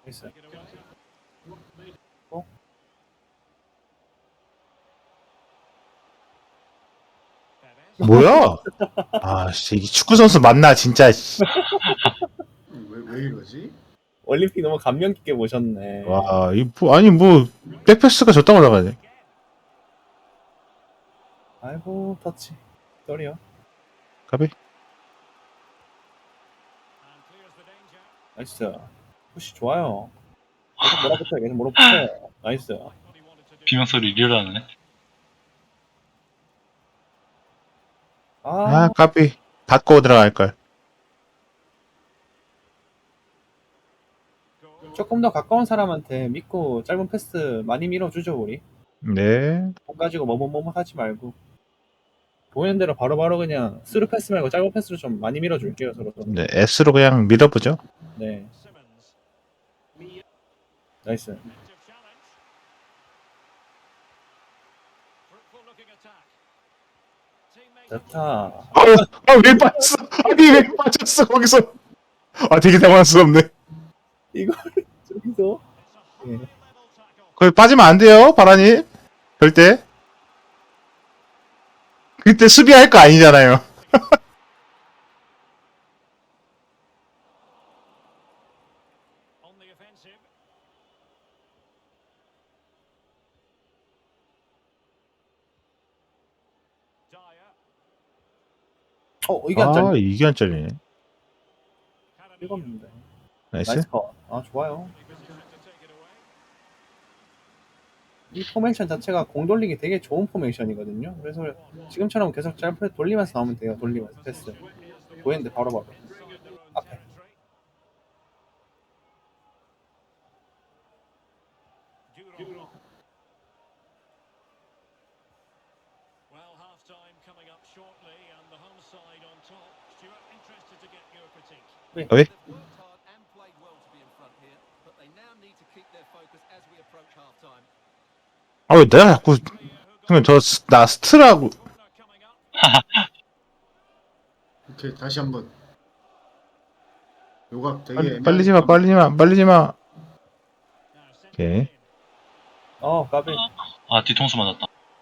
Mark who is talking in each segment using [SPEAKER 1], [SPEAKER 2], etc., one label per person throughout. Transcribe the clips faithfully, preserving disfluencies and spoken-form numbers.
[SPEAKER 1] 있어요. 어?
[SPEAKER 2] 뭐야? 아, 씨, 이 축구 선수 맞나 진짜. 씨.
[SPEAKER 3] 왜, 왜 이러지?
[SPEAKER 1] 올림픽 너무 감명 깊게 보셨네.
[SPEAKER 2] 와, 이 뭐, 아니 뭐 백패스가 졌다고 나가네.
[SPEAKER 1] 아이고 터치. 쏘리요.
[SPEAKER 2] 가비.
[SPEAKER 1] 나이스. 푸시 좋아요. 계속 몰아붙여요. 계속 몰아붙여요. 나이스.
[SPEAKER 4] 비명소리 리얼하네.
[SPEAKER 1] 아,
[SPEAKER 2] 아, 가비. 받고 들어갈 걸.
[SPEAKER 1] 조금 더 가까운 사람한테 믿고 짧은 패스 많이 밀어주죠 우리.
[SPEAKER 2] 네.
[SPEAKER 1] 공 가지고 머뭇머뭇 하지 말고 보이는 대로 바로바로 그냥 스루 패스 말고 짧은 패스로 좀 많이 밀어줄게요 서로.
[SPEAKER 2] 네, S로 그냥 밀어보죠.
[SPEAKER 1] 네. 나이스. 좋다.
[SPEAKER 2] 아, 아, 왜 빠졌어? 아니, 왜 빠졌어, 거기서? 아, 되게 당황스럽네.
[SPEAKER 1] 이걸 저기서. 예.
[SPEAKER 2] 거기 빠지면 안 돼요, 바라님. 절대. 그때 수비할 거 아니잖아요.
[SPEAKER 1] 어 이게 안
[SPEAKER 2] 아,
[SPEAKER 1] 잘려.
[SPEAKER 2] 이게 안 잘리네.
[SPEAKER 1] 읽었는데.
[SPEAKER 2] 나이스.
[SPEAKER 1] 나이스 컷. 아 좋아요. 이 포메이션 자체가 공 돌리기 되게 좋은 포메이션이거든요. 그래서 지금처럼 계속 짧게 돌리면서 나오면 돼요. 돌리면서 패스. 보이는데 바로바로. 앞에. 네.
[SPEAKER 2] 왜? 아, 왜 내가 자꾸, 그러면 저, 스- 나 스트라고.
[SPEAKER 3] 오케이, 다시 한번. 요각 되게
[SPEAKER 2] 빨리,
[SPEAKER 3] 애매한
[SPEAKER 2] 빨리지 마, 빨리지 마, 빨리지 마. 오케이.
[SPEAKER 1] 어 까비.
[SPEAKER 4] 아, 뒤통수 맞았다.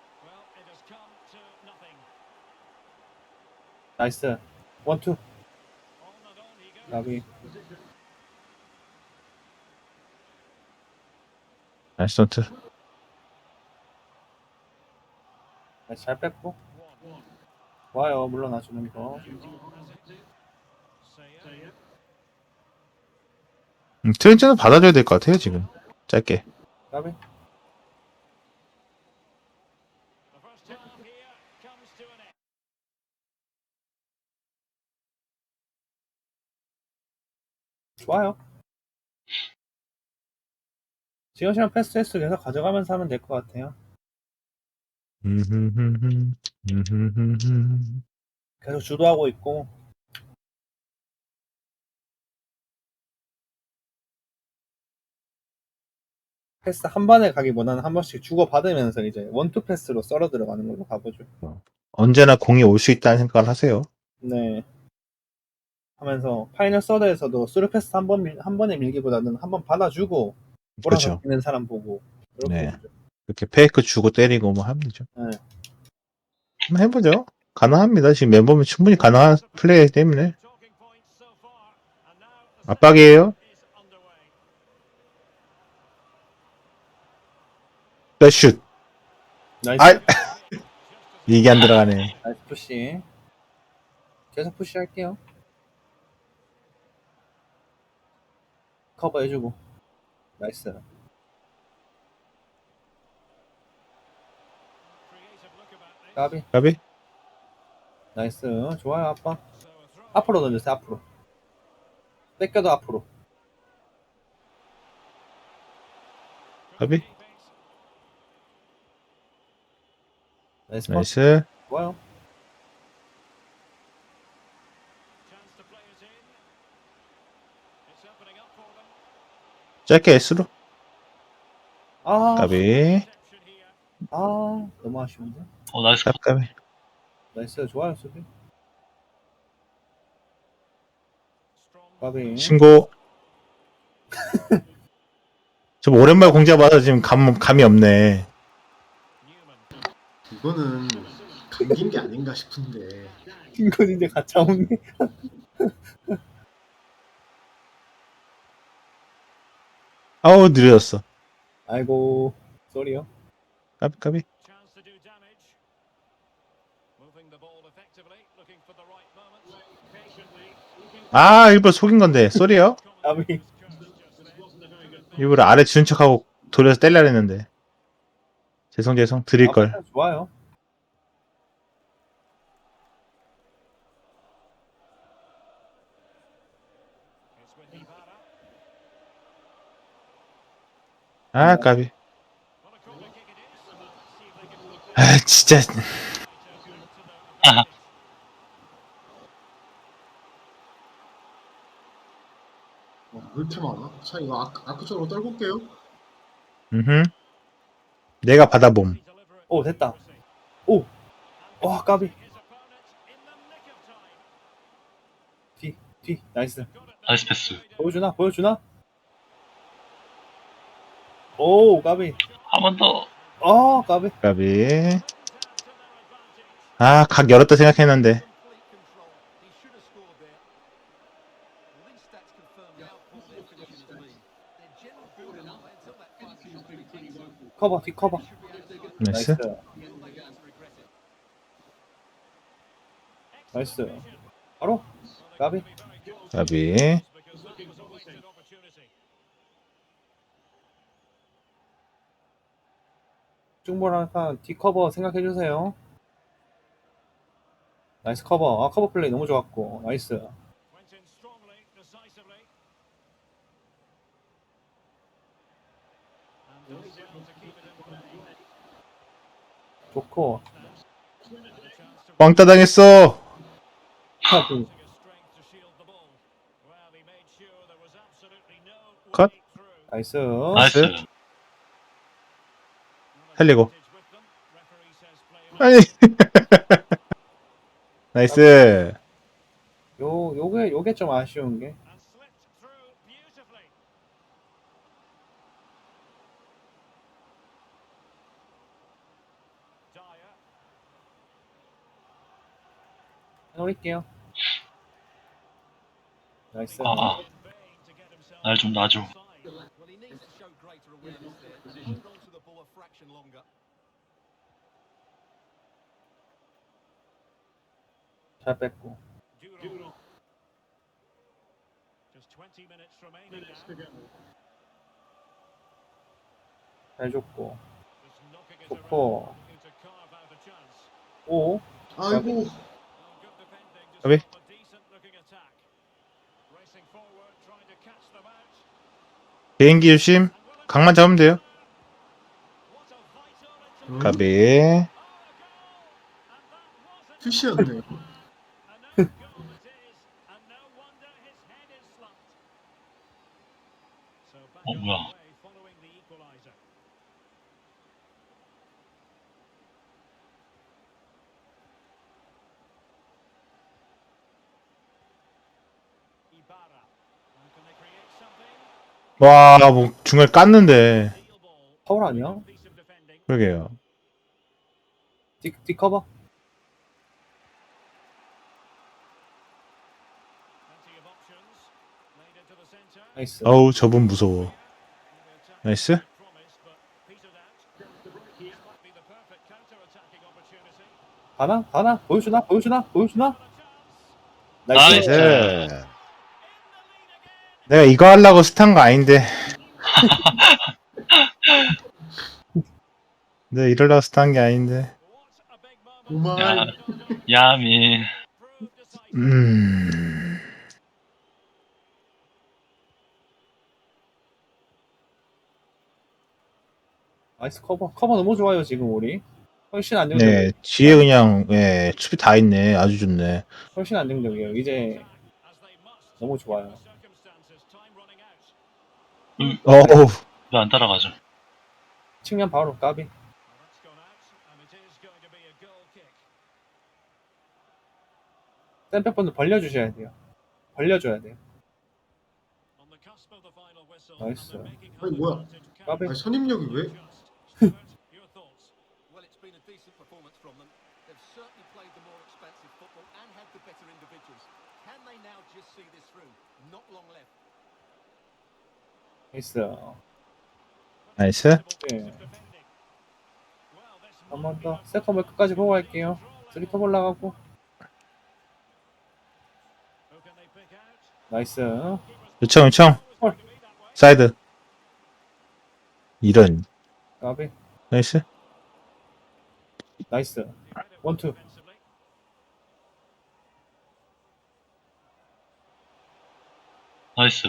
[SPEAKER 1] 나이스. 원투. 까비.
[SPEAKER 2] 나이스 던트.
[SPEAKER 1] 나이스 잘 뺐고. 좋아요. 물러나주는 거.
[SPEAKER 2] 음, 트렌즈는 받아줘야 될 것 같아요, 지금. 짧게.
[SPEAKER 1] 까비. 좋아요. 지금처럼 패스 횟수 계속 가져가면서 하면 될 것 같아요.
[SPEAKER 2] 음흠흠흠, 음흠흠흠.
[SPEAKER 1] 계속 주도하고 있고. 패스 한 번에 가기보다는 한 번씩 주고받으면서 이제 원투 패스로 썰어 들어가는 걸로 가보죠.
[SPEAKER 2] 언제나 공이 올 수 있다는 생각을 하세요.
[SPEAKER 1] 네. 하면서 파이널 서드에서도 스루 패스 한 번, 밀- 한 번에 밀기보다는 한 번 받아주고 몰아서
[SPEAKER 2] 그렇죠.
[SPEAKER 1] 뛰는 사람 보고 이렇게
[SPEAKER 2] 네.
[SPEAKER 1] 보죠.
[SPEAKER 2] 이렇게 페이크 주고 때리고 뭐 하면 되죠.
[SPEAKER 1] 네.
[SPEAKER 2] 한번 해보죠. 가능합니다. 지금 멤버면 충분히 가능한 플레이이기 때문에. 압박이에요. 네, 슛.
[SPEAKER 1] 나이스.
[SPEAKER 2] 아, 이게 안 들어가네.
[SPEAKER 1] 나이스 푸시. 계속 푸시 할게요. 커버 해주고. 나이스. 까비.
[SPEAKER 2] 가비?
[SPEAKER 1] 나이스. 좋아요, 아빠. 앞으로 던졌어요, 앞으로. 뺏겨도 앞으로.
[SPEAKER 2] 가비?
[SPEAKER 1] 나이스 컷.
[SPEAKER 2] 나이스.
[SPEAKER 1] 좋아요.
[SPEAKER 2] 짧게 S로.
[SPEAKER 1] 아,
[SPEAKER 2] 가비.
[SPEAKER 1] 아, 너무 아쉬운데.
[SPEAKER 4] 어, 나이스.
[SPEAKER 2] 깝, 가비.
[SPEAKER 1] 나이스. 좋아요, 수비. 까비.
[SPEAKER 2] 신고. 좀 오랜만에 공작 받아 지금 감, 감이 없네.
[SPEAKER 3] 이거는 감긴 게 아닌가 싶은데.
[SPEAKER 1] 이건 이제 가차 없네.
[SPEAKER 2] 아우 느려졌어.
[SPEAKER 1] 아이고, 쏘리요.
[SPEAKER 2] 까비 까비. 아 일부러 속인 건데 쏘리요?
[SPEAKER 1] 까비.
[SPEAKER 2] 일부러 아래 주는 척하고 돌려서 때리려 했는데. 죄송 죄송 드릴
[SPEAKER 1] 아,
[SPEAKER 2] 걸.
[SPEAKER 1] 패턴 좋아요.
[SPEAKER 2] 아 까비. 아 진짜.
[SPEAKER 3] 와, 왜 이렇게 많아? 자, 이거 아, 아크 쪽으로 떨고 올게요.
[SPEAKER 2] 음. 내가 받아봄.
[SPEAKER 1] 오, 됐다. 오, 와, 까비. 뒤, 뒤, 나이스.
[SPEAKER 4] 나이스 패스.
[SPEAKER 1] 보여주나? 보여주나? 오, 까비.
[SPEAKER 4] 한 번 더.
[SPEAKER 1] 어, 까비.
[SPEAKER 2] 까비. 아 각 열었다 생각했는데.
[SPEAKER 1] 커버, 뒤 커버.
[SPEAKER 2] 나이스.
[SPEAKER 1] 나이스. 나이스. 바로, 까비.
[SPEAKER 2] 까비.
[SPEAKER 1] 중보라니까 뒤 커버 생각해주세요. 나이스 커버. 아, 커버 플레이 너무 좋았고. 나이스. 좋고.
[SPEAKER 2] 왕따 당했어.
[SPEAKER 1] 하나,
[SPEAKER 2] 컷.
[SPEAKER 1] 나이스.
[SPEAKER 4] 나이스.
[SPEAKER 2] 살리고. 아니. 나이스.
[SPEAKER 1] 요, 요게, 요게 좀 아쉬운 게. 해놓을게요. 나이스.
[SPEAKER 4] 아, 아. 날 좀 놔줘.
[SPEAKER 1] 잘 뺐고. 잘 줬고. 좋고. 오.
[SPEAKER 3] 아이고,
[SPEAKER 2] 까비. 개인기 조심. 각만 잡으면 돼요.
[SPEAKER 3] 음,
[SPEAKER 2] 까비.
[SPEAKER 3] 푸시였네.
[SPEAKER 4] 어, 뭐야.
[SPEAKER 2] 와, 뭐 중간에 깠는데.
[SPEAKER 1] 파울 아니야?
[SPEAKER 2] 그러게요.
[SPEAKER 1] 뒤, 뒤 커버. 나이스.
[SPEAKER 2] 어우, 저분 무서워. 나이스.
[SPEAKER 1] 가나? 가나? 보여주나? 보여주나? 보여주나? 나이스.
[SPEAKER 4] 나이스.
[SPEAKER 2] 나이스. 내가 이거 하려고 스탄 거 아닌데. 내가 이러려고 스탄 게 아닌데.
[SPEAKER 3] 오마이.
[SPEAKER 4] 야, 야미.
[SPEAKER 2] 음.
[SPEAKER 1] 나이스 커버. 커버 너무 좋아요, 지금 우리. 훨씬 안정적이에요.
[SPEAKER 2] 네, 뒤에 그냥, 예, 수비 다 있네. 아주 좋네.
[SPEAKER 1] 훨씬 안정적이에요. 이제 너무 좋아요.
[SPEAKER 2] 어우,
[SPEAKER 4] 왜 안 따라가죠?
[SPEAKER 1] 측면 바로 까비. 샌백번도 벌려주셔야 돼요. 벌려줘야 돼요. 나이스.
[SPEAKER 3] 아니, 뭐야.
[SPEAKER 1] 까비.
[SPEAKER 3] 아니 선임력이 왜?
[SPEAKER 5] Well, it's been a decent performance from them. They've certainly played the more expensive football and had the better individuals. Can they now just see this through? Not long left.
[SPEAKER 1] 나이스.
[SPEAKER 2] 나이스.
[SPEAKER 1] 네. 한 번 더. 세컨볼 끝까지 보고 갈게요. 쓰리톱 올라가고. 나이스.
[SPEAKER 2] 요청 요청.
[SPEAKER 1] 헐.
[SPEAKER 2] 사이드. 이런.
[SPEAKER 1] 까비.
[SPEAKER 2] 나이스.
[SPEAKER 1] 나이스. 원투.
[SPEAKER 4] 나이스.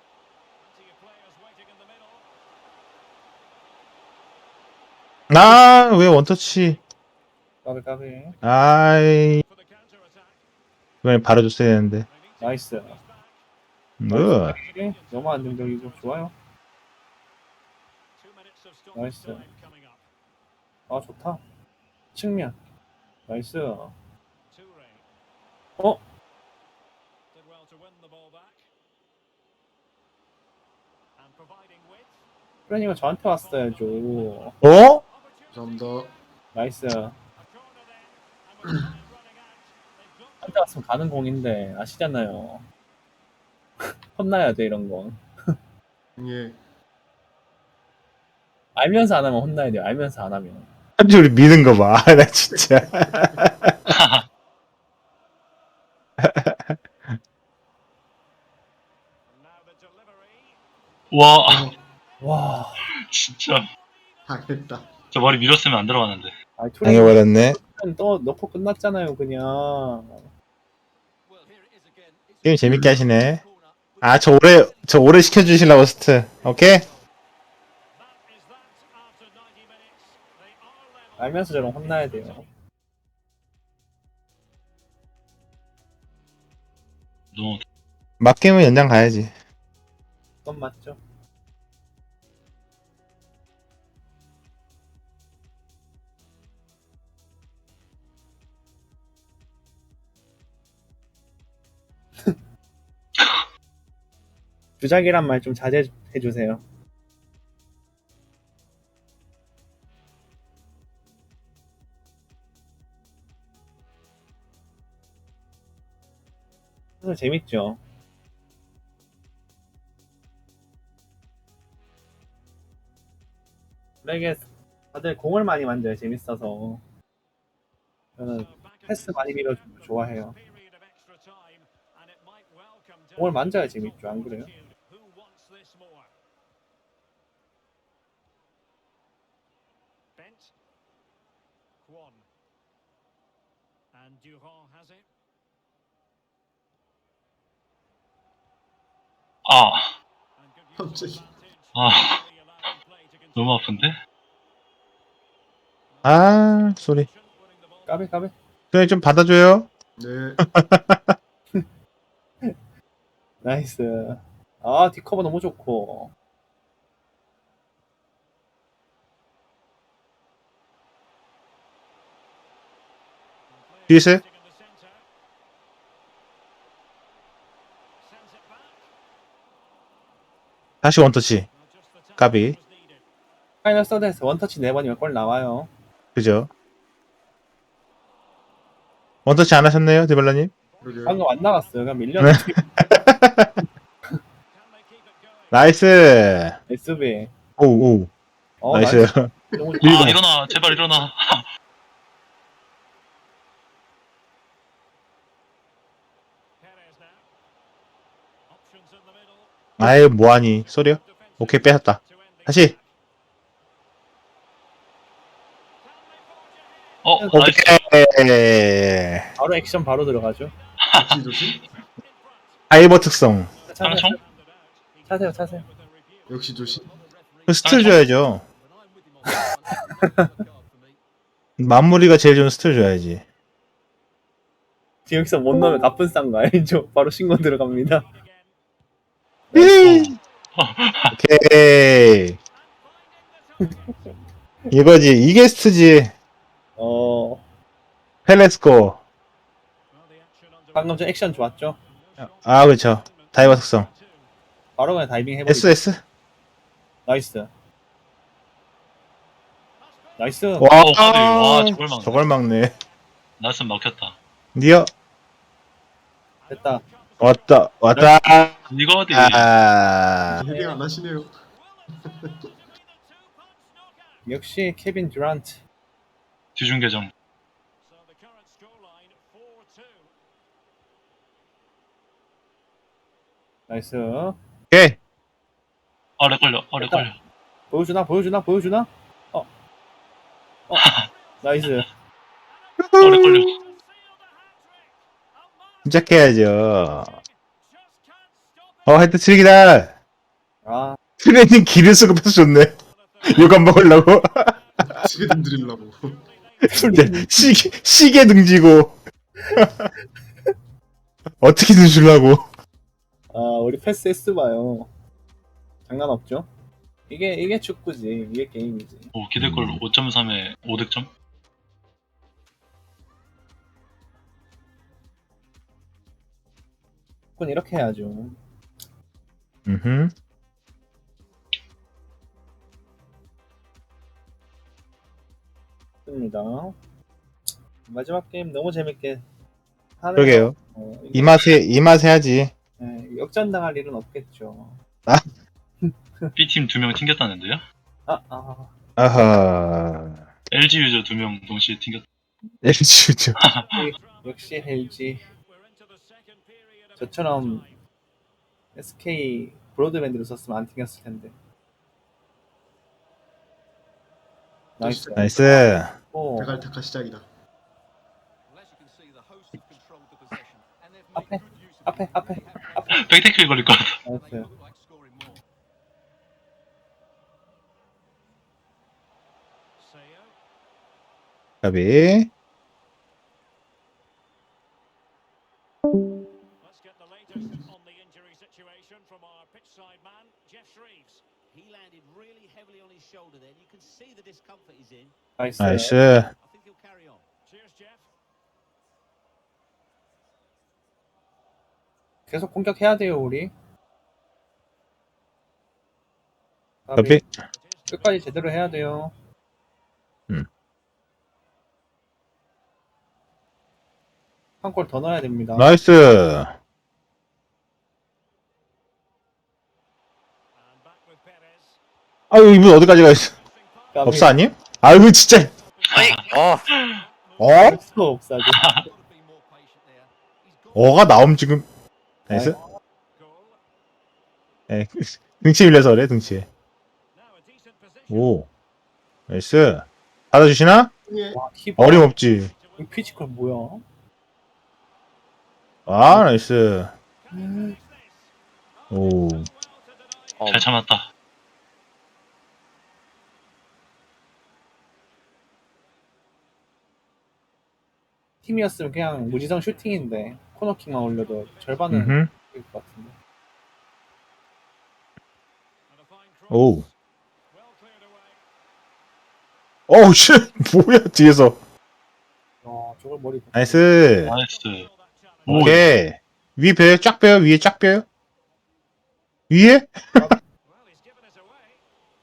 [SPEAKER 2] 아, 왜 원터치.
[SPEAKER 1] 까비 까비.
[SPEAKER 2] 아이. 이번엔 바로 줬어야 되는데.
[SPEAKER 1] 나이스.
[SPEAKER 2] 으.
[SPEAKER 1] 네, 너무 안정적이고 좋아요. 나이스. 아 좋다. 측면. 나이스. 어? 프레니가 저한테 왔어야죠.
[SPEAKER 2] 어?
[SPEAKER 3] 감사합니다.
[SPEAKER 1] 나이스. 한테 왔으면 가는 공인데 아시잖아요. 혼나야 돼 이런 건.
[SPEAKER 3] 예.
[SPEAKER 1] 알면서 안 하면 혼나야 돼요. 알면서 안 하면.
[SPEAKER 2] 한지 우리 미는 거 봐. 나 진짜.
[SPEAKER 4] 와,
[SPEAKER 1] 와.
[SPEAKER 4] 진짜.
[SPEAKER 3] 아 됐다.
[SPEAKER 4] 저 머리 밀었으면 안 들어갔는데.
[SPEAKER 1] 아 투레이
[SPEAKER 2] 당해버렸네.
[SPEAKER 1] 또 넣고 끝났잖아요 그냥.
[SPEAKER 5] Well, here it is again. It's
[SPEAKER 2] 게임 재밌게 하시네.
[SPEAKER 5] corner.
[SPEAKER 2] 아, 저 오래, 저 오래 시켜주시려고 스트. 오케이?
[SPEAKER 1] 알면서 저런 혼나야 돼요.
[SPEAKER 4] 너무
[SPEAKER 2] 맞게임은 연장 가야지.
[SPEAKER 1] 그건 맞죠. 주작이란 말 좀 자제해 주세요. 그래서 재밌죠. 이게 다들 공을 많이 만져요. 재밌어서. 저는 패스 많이 밀어주는 거 좋아해요. 공을 만져야 재밌죠. 안 그래요?
[SPEAKER 4] 아,
[SPEAKER 3] 갑자기.
[SPEAKER 4] 아, 너무 아픈데?
[SPEAKER 2] 아, 쏘리.
[SPEAKER 1] 까비 까비.
[SPEAKER 2] 그냥 좀 받아줘요.
[SPEAKER 3] 네.
[SPEAKER 1] 나이스. 아 뒷커버 너무 좋고.
[SPEAKER 2] 뒤에서 다시 원터치. 까비.
[SPEAKER 1] 파이널 서드에서 원터치 네 번이면 골 나와요.
[SPEAKER 2] 그죠? 원터치 안 하셨네요, 디발라님?
[SPEAKER 3] 그러게요.
[SPEAKER 1] 방금 안 나갔어요. 그냥 밀렸는데.
[SPEAKER 2] 나이스.
[SPEAKER 1] 에스비.
[SPEAKER 2] 오우, 오우.
[SPEAKER 1] 어,
[SPEAKER 2] 나이스.
[SPEAKER 1] 나이스. 너무 좋-
[SPEAKER 4] 아, 일어나. 제발 일어나.
[SPEAKER 2] 아유, 뭐하니. 쏘리요? 오케이, 뺏었다. 다시.
[SPEAKER 4] 어, 나이스.
[SPEAKER 2] 오케이.
[SPEAKER 1] 바로 액션 바로 들어가죠.
[SPEAKER 3] 조심 조심.
[SPEAKER 2] 아이버 특성.
[SPEAKER 1] 차세요.
[SPEAKER 4] 깡총?
[SPEAKER 1] 차세요. 차세요.
[SPEAKER 3] 역시 조심.
[SPEAKER 2] 그 스틸 줘야죠. 마무리가 제일 좋은 스틸 줘야지.
[SPEAKER 1] 여기서 못 넣으면 나쁜 싼 거 알죠? 바로 신고 들어갑니다.
[SPEAKER 2] 오케이. 이거지. 이게 스트지.
[SPEAKER 1] 어,
[SPEAKER 2] 펠레스코.
[SPEAKER 1] 방금 전 액션 좋았죠?
[SPEAKER 2] 아, 그렇죠. 다이버 특성.
[SPEAKER 1] 바로 그냥 다이빙 해버리죠.
[SPEAKER 2] 에스에스.
[SPEAKER 1] 나이스. 나이스.
[SPEAKER 2] 와,
[SPEAKER 4] 어, 까비. 와, 저걸 막네.
[SPEAKER 2] 저걸 막네.
[SPEAKER 4] 나스 막혔다.
[SPEAKER 2] 니어
[SPEAKER 1] 됐다.
[SPEAKER 2] 왔다 왔다.
[SPEAKER 4] 이거 어디?
[SPEAKER 2] 아,
[SPEAKER 3] 헤딩 안 하시네요.
[SPEAKER 1] 역시 케빈 듀란트.
[SPEAKER 4] 뒤중 계정.
[SPEAKER 1] 나이스.
[SPEAKER 2] 오케이.
[SPEAKER 4] 아래 걸려. 아래
[SPEAKER 1] 됐다.
[SPEAKER 4] 걸려.
[SPEAKER 1] 보여주나 보여주나 보여주나? 어. 어. 나이스.
[SPEAKER 4] 아래 걸려.
[SPEAKER 2] 시작해야죠. 어, 헤드 트릭이다.
[SPEAKER 1] 아
[SPEAKER 2] 트레이닝 기를 쓰고 패스 좋네. 욕안 먹으려고.
[SPEAKER 3] 스웨덴 드리려고.
[SPEAKER 2] 진짜 시계 시계 등지고 어떻게든 주려고.
[SPEAKER 1] 아, 우리 패스 S 봐요. 장난 없죠? 이게 이게 축구지. 이게 게임이지.
[SPEAKER 4] 오, 기대골
[SPEAKER 2] 음.
[SPEAKER 4] 오 점 삼에 오 득점?
[SPEAKER 1] 축구는 이렇게 해야죠.
[SPEAKER 2] 음.
[SPEAKER 1] 좋습니다. 마지막 게임 너무 재밌게 하네요.
[SPEAKER 2] 그러게요.
[SPEAKER 1] 어, 이게,
[SPEAKER 2] 이 맛에 이 맛에 해야지.
[SPEAKER 1] 예, 역전당할 일은 없겠죠.
[SPEAKER 4] B팀 두 명 튕겼다는데요?
[SPEAKER 1] 아, 아.
[SPEAKER 2] 아하.
[SPEAKER 4] 엘지 유저 두 명 동시에 튕겼다.
[SPEAKER 2] 엘지죠.
[SPEAKER 1] 역시 엘지. 저처럼 에스케이 브로드밴드를 썼으면 안 튕겼을 텐데. 나이스.
[SPEAKER 2] 나이스.
[SPEAKER 1] 오,
[SPEAKER 3] 데갈타카 시작이다.
[SPEAKER 5] Well, as you can see, the hosts have controlled the possession, and they've
[SPEAKER 1] 앞에,
[SPEAKER 5] made good use of
[SPEAKER 1] 앞에, 앞에, 앞에.
[SPEAKER 4] 백테클 걸릴 것 같아.
[SPEAKER 1] 나이스.
[SPEAKER 5] it. Look like scoring more.
[SPEAKER 2] 가비.
[SPEAKER 6] Let's get the latest on the injury situation from our pitch side man, Jeff Shreves.
[SPEAKER 5] He landed really heavily on his shoulder then. You can see the discomfort he's in.
[SPEAKER 1] 나이스.
[SPEAKER 2] 나이스.
[SPEAKER 5] I think he'll carry on.
[SPEAKER 6] Cheers, Jeff.
[SPEAKER 1] 계속 공격해야 돼요, 우리.
[SPEAKER 2] 가비.
[SPEAKER 1] 끝까지 제대로 해야 돼요.
[SPEAKER 2] 음.
[SPEAKER 1] 한 골 더 넣어야 됩니다.
[SPEAKER 2] 나이스.
[SPEAKER 6] And back with Perez.
[SPEAKER 2] 아유, 이분 어디까지 가 있어?
[SPEAKER 1] 까비.
[SPEAKER 2] 없어 아님? 아유, 진짜. 어? 어?
[SPEAKER 1] 없어, 없어지.
[SPEAKER 5] Got to be more patient there. He's got
[SPEAKER 2] 어가 나옴 지금. 나이스. 에, 등치 밀려서 그래, 등치.
[SPEAKER 6] Now a decent position.
[SPEAKER 2] 오. 나이스. 받아주시나?
[SPEAKER 3] 예.
[SPEAKER 1] 와, 키퍼.
[SPEAKER 2] 어림없지.
[SPEAKER 1] 이 피지컬 뭐야?
[SPEAKER 2] 아, 나이스. 오.
[SPEAKER 4] 잘 참았다.
[SPEAKER 1] 팀이었으면 그냥 무지성 슈팅인데 코너킥만 올려도 절반은
[SPEAKER 2] 음흠.
[SPEAKER 1] 될 것 같은데.
[SPEAKER 6] And a fine cross.
[SPEAKER 2] 오.
[SPEAKER 6] Well cleared away.
[SPEAKER 2] 어우, 씨. 뭐야, 뒤에서.
[SPEAKER 1] 어, 저걸 머리.
[SPEAKER 2] 나이스.
[SPEAKER 4] 나이스. 오,
[SPEAKER 2] 오케이. 위 배요? 쫙 배요? 위에 쫙 배요? 위에?
[SPEAKER 6] Well, he's given it away.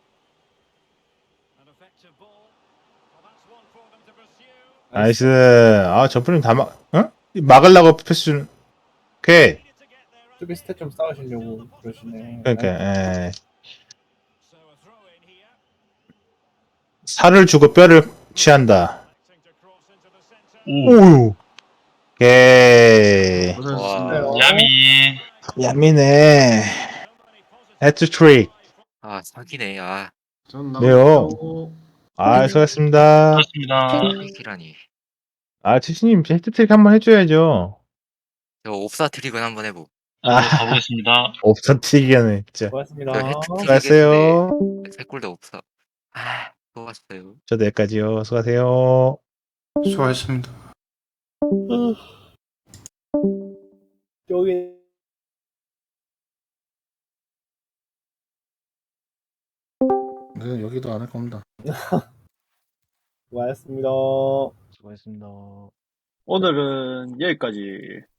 [SPEAKER 6] An effective ball. Well, that's one for them to pursue.
[SPEAKER 2] 나이스. 아, 저 분은 다 막, 어? 막으려고 패스 주는. 오케이.
[SPEAKER 6] Needed to get there.
[SPEAKER 1] 수비 스탯 좀 쌓으시려고 그러시네.
[SPEAKER 2] 그러니까, 에.
[SPEAKER 6] So a throw in here.
[SPEAKER 2] 살을 주고 뼈를 취한다.
[SPEAKER 6] Electing to cross into the centre.
[SPEAKER 4] 오,
[SPEAKER 2] 오우. 오케이.
[SPEAKER 3] 고생하셨습니다.
[SPEAKER 4] 야미.
[SPEAKER 2] 야미네. 해트트릭.
[SPEAKER 7] 아, 사기네. 아,
[SPEAKER 3] 전
[SPEAKER 2] 네요.
[SPEAKER 3] 나가고
[SPEAKER 2] 아, 수고하셨습니다.
[SPEAKER 4] 고맙습니다.
[SPEAKER 7] 트릭이라니.
[SPEAKER 2] 아, 치시님, 해트트릭 한번 해줘야죠.
[SPEAKER 7] 저 옵사 트릭은 한번 해보.
[SPEAKER 4] 아, 가보겠습니다.
[SPEAKER 2] 없어, 튀기네, 진짜.
[SPEAKER 1] 고맙습니다.
[SPEAKER 7] 그 해트트릭
[SPEAKER 2] 수고하세요.
[SPEAKER 7] 했는데 세 골 다 옵사. 아, 좋았어요.
[SPEAKER 2] 저도 여기까지요. 수고하세요.
[SPEAKER 8] 수고하셨습니다.
[SPEAKER 1] 여기
[SPEAKER 8] 네, 여기도 안 할 겁니다.
[SPEAKER 1] 고맙습니다.
[SPEAKER 2] 수고하셨습니다.
[SPEAKER 9] 오늘은 여기까지.